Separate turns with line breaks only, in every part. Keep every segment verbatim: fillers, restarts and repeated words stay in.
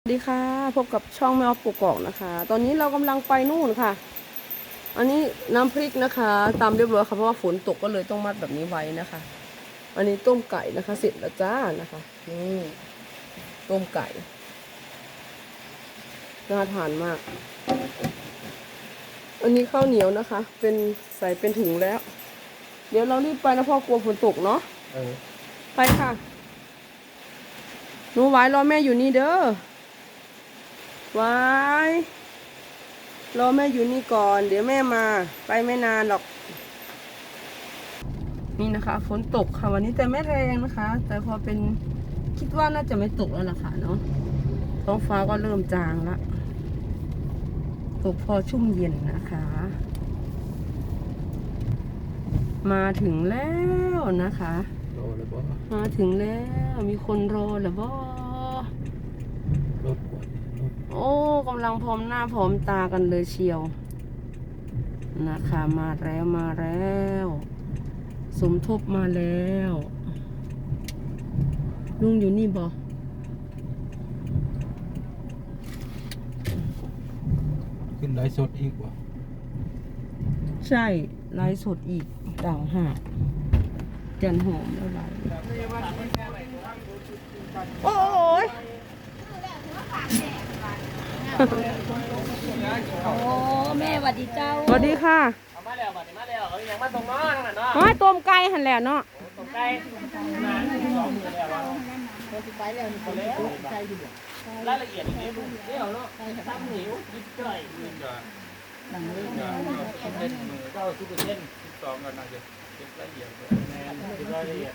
สวัสดีค่ะพบกับช่องแมวปลูกกอกนะคะ ตอนนี้เรากำลังไปนู่นค่ะ อันนี้น้ำพริกนะคะตามเรียบร้อยค่ะเพราะว่าฝนตกก็เลยต้องมัดแบบนี้ไว้นะคะ อันนี้ต้มไก่นะคะเสร็จแล้วจ้านะคะนี่ต้มไก่น่าทานมาก อันนี้ข้าวเหนียวนะคะ เป็นใส่เป็นถุงแล้ว เดี๋ยวเรารีบไปนะพ่อกลัวฝนตกเนาะไปค่ะหนูไว้รอแม่อยู่นี่เด้อไว้รอแม่อยู่นี่ก่อนเดี๋ยวแม่มาไปไม่นานหรอกนี่นะคะฝนตกค่ะวันนี้แต่ไม่แรงนะคะ แต่พอเป็นคิดว่าน่าจะไม่ตกแล้วล่ะค่ะเนาะท้องฟ้าก็เริ่มจางละตกพอชุ่มเย็นนะคะ มาถึงแล้วนะคะมาถึงแล้วมีคนรอแล้วบ่โอ้กำลังพร้อมหน้าพร้อมตากันเลยเชียวนะคะมาแล้วมาแล้วสมทบมาแล้วลุงอยู่นี่บ่
ขึ้นไลฟ์สดอีกวะ
ใช่ไลฟ์สดอีกต่างหากจันหอมแล้วไลฟ์โอ้ย
โอ้แม่สวัสดีเจ้า
สวัสดีค่ะ
มาแล้วมามาแล้วเอ้ยยังมาตรงน้อนั่นน่ะเนาะ
น้อยต้มไก่หันแหละเนาะ
ตรงใกล้นานสองมือแล้วไปแล้วไปแล้วใจอยู่รายละเอียดอย่างนี้เดี๋ยวเนาะตั้มหิวยิบจ่อยหนังเรื่องเป็นมือเก้าสิบเปอร์เซ็นต์สองกันนะเดี๋ยวเก็บรายละเอียดแน่เก็บรายละเอียด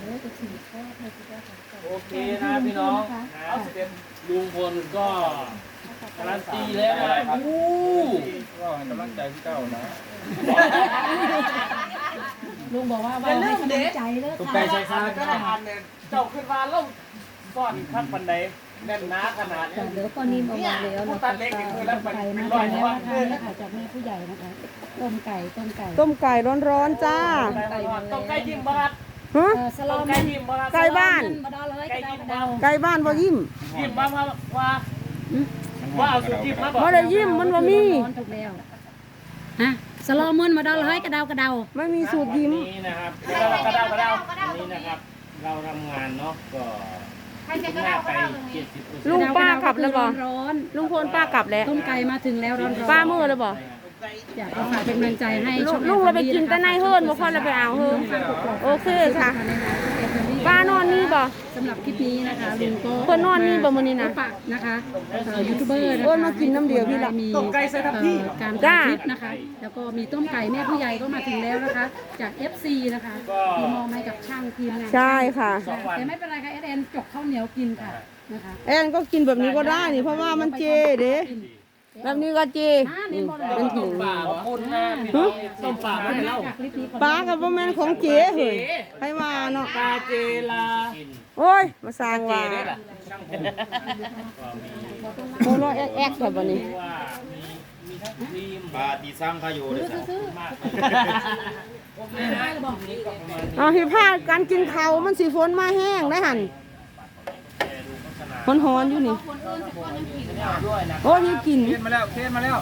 โอเคนะพี่น้องเอาเต็มลุงพลก็การันตีแล้วนะครับอู้ก็ให้กำลังใจพี่เจ้านะ
ลุงบอกว่าว่าให้กำลังใจเลยค่ะ
ตุ๊กไก่ใส่ขาก็ทานเนี่ยเจ้าขึ้นมาแล้วซ่อนขั้นบันไดแน่นหนาขนาดนี้
เดี๋ยวปอนิ่มออกมาแล้วนะคะต้มไก่มาแล้วนะคะนี่ค่ะจากแม่ผู้ใหญ่นะคะต้มไก่ต้มไก่
ต้มไก่ร้อนๆจ้า
ต้องไก่ยิ้มบ้าน
ฮะ
สลอม
ไก่ยิ้มบ้าน
ไก่บ้าน
มาดอเลยไก่ยิ้ม
ไก่บ้านบ่ยิ้ม
ยิ้มมาว่าว่าว่าเอาสุดยิ้มมาบอก
บ่ได้ยิ้มมันบ่มี
ถูกแล้วฮะสลอมมันมาดอเลยกระเดากระเดา
ไม่มีสูตรยิ้ม
นี่นะครับเรากระเดากระเดานี่นะครับเราทำงานเนาะก็หน้าไปเจ็ดสิบเปอร์เซ็นต์
ลุงป้ากลับแล้วบ่
ร้อน
ลุงพลป้ากลับแล้ว
ต้มไก่มาถึงแล้วร้อนๆ
ป้ามือแล้วบ่
อยากฝากเป็นกำลังใจให้
ลุ
ช่
ง
อง
ลุงเราไปกินแต่ในเฮิร์นบ่ค่อยเราไปเอาเฮิร์นโอเคค่ะป้านอนนี่บ่
สำหรับคลิปนี้นะคะลุงก็
เพิ่นนอนนี่บ่มื้อนี้นะ
ฝากนะคะยูทูบเบอร์นะคะ
เอิ้นมากินน้ำเดียวพี่ละ
มี
ต้มไก่ใส่ทับที่
การ
จ้า
ถ่ายคลิปนะคะ แล้วก็มีต้มไก่แม่ผู้ใหญ่ก็มาถึงแล้วนะคะ จาก เอฟ ซี นะคะมีมอบให้กับช่างทีมงาน
ใช่ค่ะ
แต่ไม่เป็นไรค่ะเอสเอ็นจกข้าวเหนียวกินค่ะนะคะ
แอนก็กินแบบนี้ก็ได้นี่เพราะว่ามันเจเด้แบบนี้ก็เจ
อ่าเน้นบอลเลย
เป็นถุง
ป่าขอบคุณนะพี่น้องต้มป่ามาให้เรา
จากคลิปนี้
ปลากับบ่แม่นของเจเฮ้ยให้ว่าเนาะ
ปลาเจลา
โอ้ยมาสร้างว่า
ได้ล่ะ
โมโนแอกแอกแบบนี้
ว่ามีมีทั้งทีม
ปลาตีซ้ำเขาอยู่เลยจ้ะ
มากโอเคนะนี่ก็ประมาณนี้
เอาที่พาการกินข้าวมันสิฝนมาแห้งได้หั่นหอนๆอยู่นี่
ด้วยนะ
โอ้ยกิน
เคนมาแล้วเคนมาแล้ว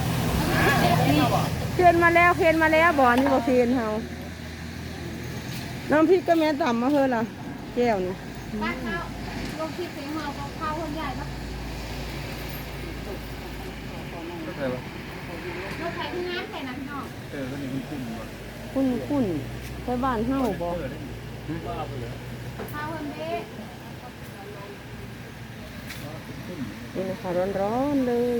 เคนมาแล้วเคนมาแล้วบ่อนี่บ่เคนเฮาน้ำพริกก็แม่ต่ำมาเฮ้อล่ะแก้วนี่
บ้านเขาลงคลิปเสียงเฮาของเขาคนใหญ่ปะ
ก็เคยวะ
รถไฟที่น้ำใส่นะพี่น้อง
เออก็นี่มันคุ้มวะ
คุ้นคุ้นไปบ้านเฮาบ่
ข้าวคนเด้
นี่นะคะร้อนๆเลย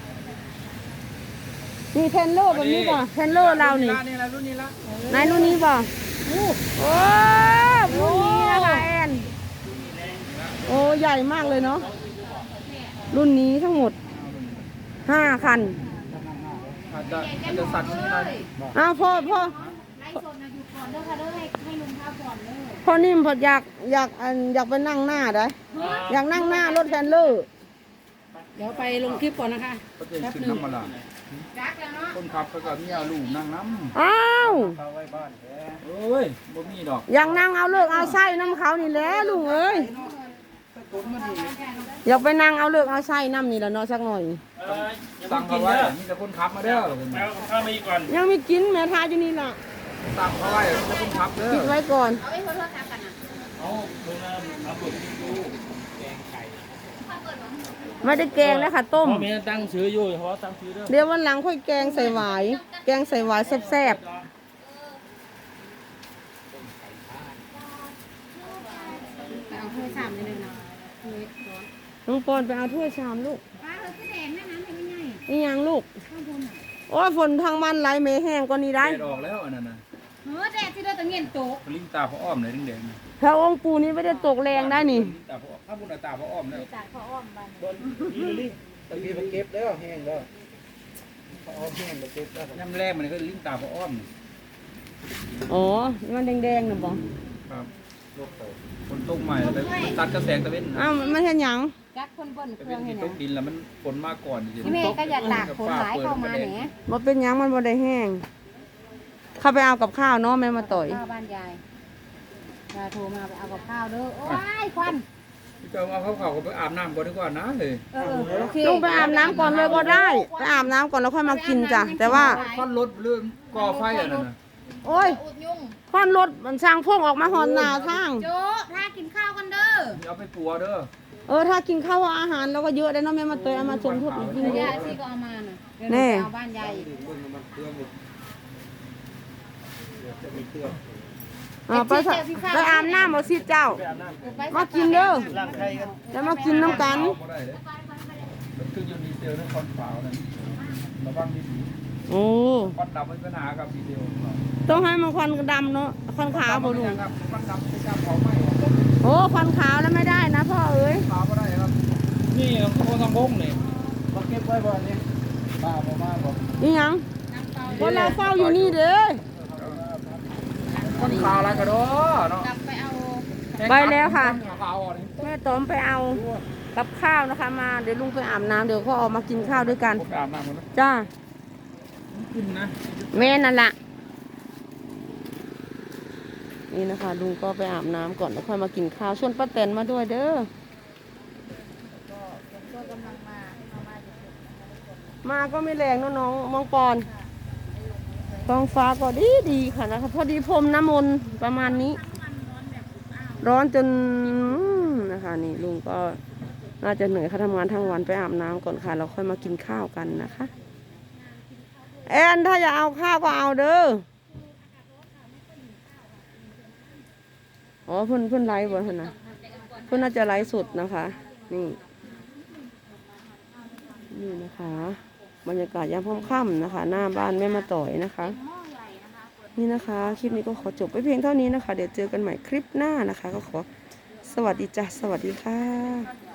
นี่เทนโลแบบนี้บ่เทนโลเรานี่
นี่ละรุ่นนี้ละ
นายรุ่นนี้บ่โอ้รุ่นนี้นะคะแอนโอ้ใหญ่มากเลยเนาะรุ่นนี้ทั้งหมดห้าคัน
อาจจะอาจจะสั่นนิดหน่อย
อ้าวพ่อพ่อ
ไล่สดนะอยู่ก่อนเด้อค่ะเด้อให้ให้ลุงข้าวก่อนเด้อ
พ่อนิ่มพออยากอยากอันอยากไปนั่งหน้าได้อยากนั่งหน้ารถแทนเลอร์
เดี๋ยวไปลงคลิปก่อนนะคะ
ก็จะขึ้นน้ำมันละ
รักแล้วเนาะ
คนขับก็กับเมียลูกนั่งน้
อ้าว
ำเขาไว้บ้านแท้เอ้ยบ่มีดอก
อยากนั่งเอาเลิกเอาไส้น้ำเขานี่แหละลุงเอ้ย
กตุ้มมาดี
อยากไปนั่งเอาเลือกเอาไส้น้ำนี่ละเนาะสักหน่อย
เอออย่า
สั่
เพิ่
ง
ง
เขา
กิน
ไว้
เด้อ
มีแต่คนขับมาเด้อ
แล้วข้าวมาอีกก่อน
ยังไม่กินแม่ทาอยู่นี่ล่ะ
สั่งเขาไว้มีแต่คนขับเด้อ
ปิดไว้ก่อน
เอาเพิ่งมาเอาเปิดดูแกงไก่
ไม่ได้แกงนะค่ะต้ม
พ่อแม่ตั้งซื้ออยู่เพราะตั้งซื้อเด้อ
เดี๋ยววันหลังค่อยแกงใส่หวาย แกงใส่หวายแซ่บๆ
เอาถ้วยสามเลยนะถ้วยร้อน
น้องปอนไปเอาถ้วยชามลูก
ป้าเออคือแดงแม่น้ำเป็นยังไง
นี่ยังลูก
ข้าวบนอ่ะ
โอ้ยฝนทางบ้านไหลเมแห้งก็นี่ได้
แดดออกแล้วอันนั้นน่ะ
เออแดดที่เราตะเงียนโต๊ะ
ลิ้นตาพระอ้อมเลยแดงๆน่ะ
พระองค์ปู่นี้ไม่ได้ตกแรงได้นี่
ลิ้นตาพระอ้อมถ้าบุญตาพระอ้อมเนี่ย
จากพ่ออ้อมบ้าน
บนอีลิลี่
ตะกี้มันเก็บแล้วแห้งแล้วพระอ้อมแห้งแล้วเก็บแล้วน้ำแรงมันก็ลิ้นตาพระอ้อม
อ๋อ มันแดงๆนะบอ
ครับคนตกใหม่แล้วไปตัดกระแสงตะเวน
อ้าวมันเห็นหยัง
กัดคนบน
ตะ
เค
เว
รื่อน ง
ที่
เห็น
ต
นะ
กดินแล้วมันฝนมาก่อนจริง
พี่เมย์ก็อยากตากฝนหลายเข้ามาเนี่ย
บ่เป็นหยังมันบ่ได้แห้ง เข้าไปเอากับข้าวเนาะแม่มาต่อย
ข้าวบ้านยายยายโทรมาไปเอากับข้าวเด้อโอ้ยควัน
พี่เจ้าเอาเขาเขาก็ไปอาบน้ำก่อนดีกว่านะเลย
เออโอเค
ลุงไปอาบน้ำก่อนเลยก็ได้ ไปอาบน้ำก่อนแล้วค่อยมากินจ้ะ แต่ว่า
ควันรถเรื่องก่อไฟอ่ะนั่นน่ะ
โอ้ยควันรถมันสร้างพวกออกมาหอนหนาทาง
โจ๊ะถ้ากินข้าวกันเด้อ
เอาไปปัวเด้อ
เออถ้ากินข้าวอาหารเราก็เยอะได้เนาะแม่มาต่อยเอามาชมทุกคนกินเย
ยา
อะ
ยซีก็เอามาน่ะเดี๋ยว
แน่
หนูไปเอาบ้านยายอีก
อ่าไปซะไปอาบน้ำเอาสิเจ้า
ไปอาบน้ำ
เออไป
มากินเด้อ
ล้างไข่กัน
แล้วมากินน้ำกัน
เอาบ่ได้เด้อมันคืออยู่ดีเซลนั่นควันขาวนั่นระวังดี
โอ้
ควันดำมีปัญหากับดีเซล
ต้องให้มันควันดำเนาะควันขาวบ่ลุง
ครับควันดำไม่กล้าเผาไหม้
โอ้ควันขาวแล้วไม่ได้นะพ่อเอ้ย
ขาวก็ได้ครับนี่เราคือคนทำพงนี่มาเก็บไว้บ่นี่ป้าบ่มาบ่
นี่หยังคนเราเฝ้าอยู่นี่เด้อ
ควันขาวอะไรกันเด้อเนาะ
กลับไปเอา
ไปแล้วค่ะ
ขาวอ่ะนี่
แม่ต้อมไปเอากับข้าวนะคะ มาเดี๋ยวลุงไปอาบน้ำเดี๋ยวก็ออกมากินข้าวด้วยกัน
ผมไปอาบน้ำก่อนนะ
จ้า
กินนะ
แม่นั่นละนี่นะคะลุงก็ไปอาบน้ำก่อนแล้วค่อยมากินข้าวชวนป้าแตนมาด้วยเด้อมาก็ไม่แรงเนอะน้องมองปอนท้องฟ้าก็ดีดีค่ะนะคะพอดีพรมน้ำมนต์ประมาณนี้ ร้อนจนนะคะนี่ลุงก็น่าจะเหนื่อยค่ะทำงานทั้งวันไปอาบน้ำก่อนค่ะเราค่อยมากินข้าวกันนะคะแอนถ้าอยากเอาข้าวก็เอาเด้ออ๋อเพื่อนเพื่อนไลฟ์บ่ท่านนะเพื่อนน่าจะไลฟ์สดนะคะ นี่นี่นะคะบรรยากาศยามค่ำๆนะคะ หน้าบ้านแม่มาต่อยนะคะ นี่นะคะคลิปนี้ก็ขอจบไปเพียงเท่านี้นะคะ เดี๋ยวเจอกันใหม่คลิปหน้านะคะ ก็ขอสวัสดีจ้ะสวัสดีค่ะ